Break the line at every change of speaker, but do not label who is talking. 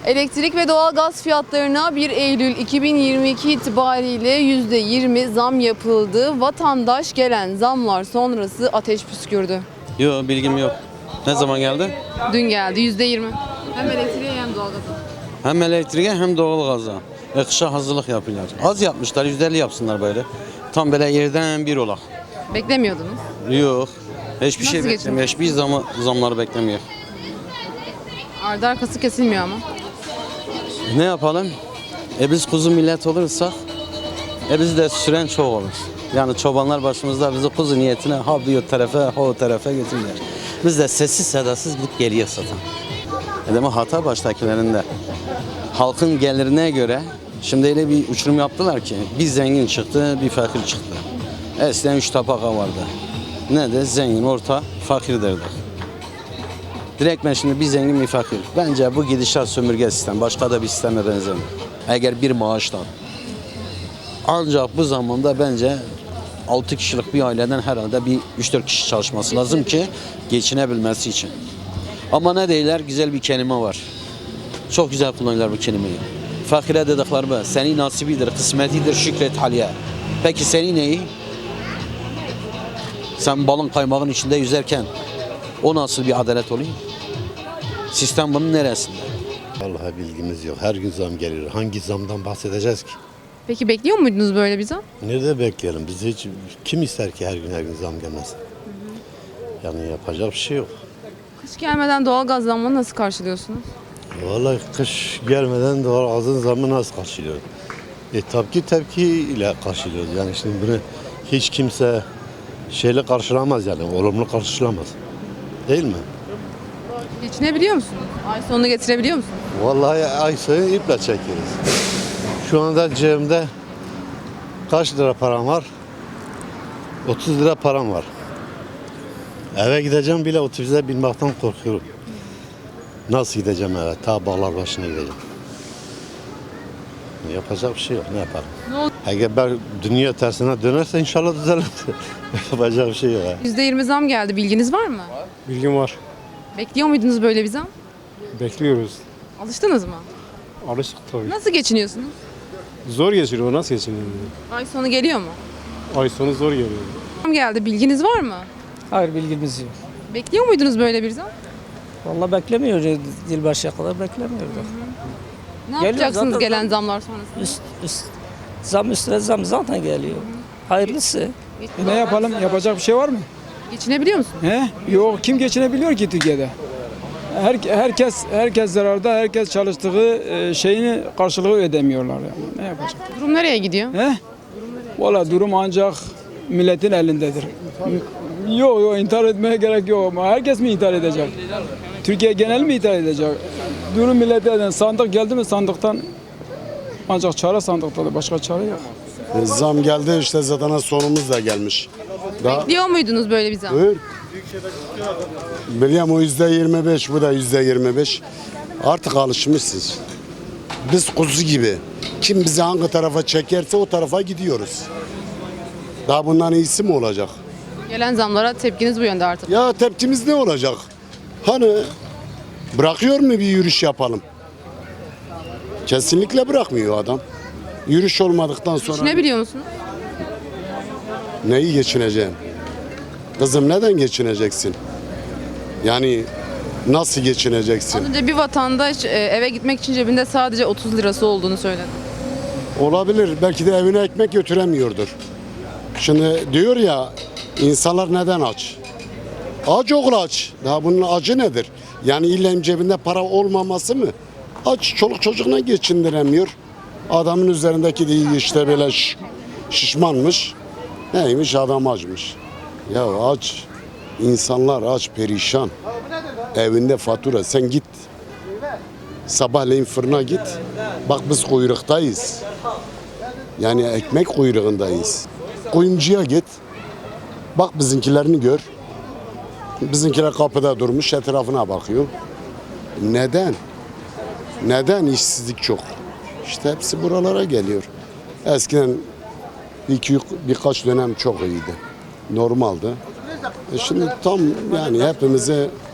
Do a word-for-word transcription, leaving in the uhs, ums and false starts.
Elektrik ve doğalgaz fiyatlarına bir Eylül iki bin yirmi iki itibariyle yüzde yirmi zam yapıldı. Vatandaş gelen zamlar sonrası ateş püskürdü.
Yok, bilgim yok. Ne zaman geldi?
Dün geldi yüzde yirmi. Hem elektriğe hem doğalgaza.
Hem elektriğe hem doğalgaza. E, kışa hazırlık yapıyorlar. Az yapmışlar, yüzde elli yapsınlar böyle. Tam böyle yerden bir olak.
Beklemiyordunuz.
Yok. Hiçbir
Nasıl
şey
geçiniyor?
beklemiyor. Hiçbir zamı, zamları beklemiyor.
Ardı arkası kesilmiyor ama.
Ne yapalım? E biz kuzu millet olursak, e biz de süren çok olur. Yani çobanlar başımızda bizi kuzu niyetine ha bir o tarafa ha o tarafa götürürler. Biz de sessiz sedasız gidip geliyor zaten. E demek hata baştakilerinde. Halkın gelirine göre şimdi öyle bir uçurum yaptılar ki bir zengin çıktı, bir fakir çıktı. Eskiden üç tabaka vardı. Ne de zengin, orta, fakir derdik. Direkt ben şimdi bir zengin bir fakir. Bence bu gidişat sömürge sistem. Başka da bir sisteme benzemiyor. Eğer bir maaştan. Ancak bu zamanda bence altı kişilik bir aileden herhalde bir üç dört kişi çalışması lazım ki geçinebilmesi için. Ama ne değiller? Güzel bir kelime var. Çok güzel kullanıyorlar bu kelimeyi. Fakire dedikleri bu. Senin nasibidir, kısmetidir, şükret haliye. Peki senin neyi? Sen balın kaymağın içinde yüzerken o nasıl bir adalet oluyor? Sistem bunun neresinde?
Vallahi bilgimiz yok. Her gün zam geliyor. Hangi zamdan bahsedeceğiz ki?
Peki bekliyor muydunuz böyle bir zam?
Nerede bekleyelim? Biz hiç kim ister ki her gün her gün zam gelmesin? Yani yapacak bir şey yok.
Kış gelmeden doğalgaz zammını nasıl karşılıyorsunuz?
Vallahi kış gelmeden doğal azın zamı nasıl karşılıyor? E tabii ki tepkiyle karşılıyoruz. Yani şimdi bunu hiç kimse şeyle karşılamaz yani. Olumlu karşılamaz. Değil mi?
Geçinebiliyor musunuz? Ay sonunu getirebiliyor musunuz?
Vallahi ay sonu iple çekiyoruz. Şu anda cebimde kaç lira param var? otuz lira param var. Eve gideceğim bile otobüse binmekten korkuyorum. Nasıl gideceğim eve? Ta bağlar başına gideceğim. Yapacak bir şey yok. Ne yapalım?
Ne oldu?
Eğer ben dünya tersine dönerse inşallah düzelir. Yapacak bir şey yok. ya.
yüzde yirmi zam geldi. Bilginiz var mı?
Bilgim var.
Bekliyor muydunuz böyle bir zam?
Bekliyoruz.
Alıştınız mı?
Alıştık tabii.
Nasıl geçiniyorsunuz?
Zor geçiriyor. Nasıl geçiniyor?
Ay sonu geliyor mu?
Ay sonu zor geliyor.
Zam geldi. Bilginiz var mı?
Hayır, bilgimiz yok.
Bekliyor muydunuz böyle bir zam?
Vallahi beklemiyoruz. Yılbaşıya kadar beklemiyorduk.
Ne
Geliyor
yapacaksınız
zaten
gelen
zam.
zamlar sonrasında?
Üst, üst, zam üstüne zam zaten geliyor. Hayırlısı.
E ne yapalım? Yapacak bir şey var mı?
Geçinebiliyor musunuz?
He? Yok, kim geçinebiliyor ki Türkiye'de? Her, herkes herkes zararda, herkes çalıştığı e, şeyini karşılığı ödemiyorlar yani. Ne yapacak?
Durum nereye gidiyor?
He? Valla durum ancak milletin elindedir. Yok yok, intihar etmeye gerek yok ama herkes mi intihar edecek? Türkiye genel mi intihar edecek? Durum millete eden sandık geldi mi sandıktan ancak çare sandıktadır, başka çare yok.
Zam geldi işte zaten sonumuz da gelmiş. Daha
Bekliyor muydunuz böyle bir zam?
buyur. Biliyorum o yüzde yirmi beş, bu da yüzde yirmi beş. Artık alışmışız. Biz kuzu gibi. Kim bizi hangi tarafa çekerse o tarafa gidiyoruz. Daha bundan iyisi mi olacak?
Gelen zamlara tepkiniz bu yönde artık.
Ya tepkimiz ne olacak? Hani bırakıyor mu bir yürüyüş yapalım? Kesinlikle bırakmıyor adam. Yürüyüş olmadıktan sonra
Geçinebiliyor musunuz?
neyi geçineceğim? Kızım neden geçineceksin? Yani nasıl geçineceksin?
Az önce bir vatandaş e, eve gitmek için cebinde sadece otuz lirası olduğunu söyledi.
Olabilir. Belki de evine ekmek götüremiyordur. Şimdi diyor ya, insanlar neden aç? Aç oğul aç. Daha bunun acı nedir? Yani illa cebinde para olmaması mı? Aç, çoluk çocuğuna geçindiremiyor. Adamın üzerindeki değil işte böyle şiş- şişmanmış. Neymiş, adam açmış. Ya aç. İnsanlar aç, perişan. Evinde fatura. Sen git. Sabahleyin fırına git. Bak biz kuyruktayız. Yani ekmek kuyruğundayız. Kuyumcuya git. Bak bizimkilerini gör. Bizimkiler kapıda durmuş, etrafına bakıyor. Neden? Neden işsizlik çok? İşte hepsi buralara geliyor. Eskiden iki, birkaç dönem çok iyiydi. Normaldi. E şimdi tam yani hepimizi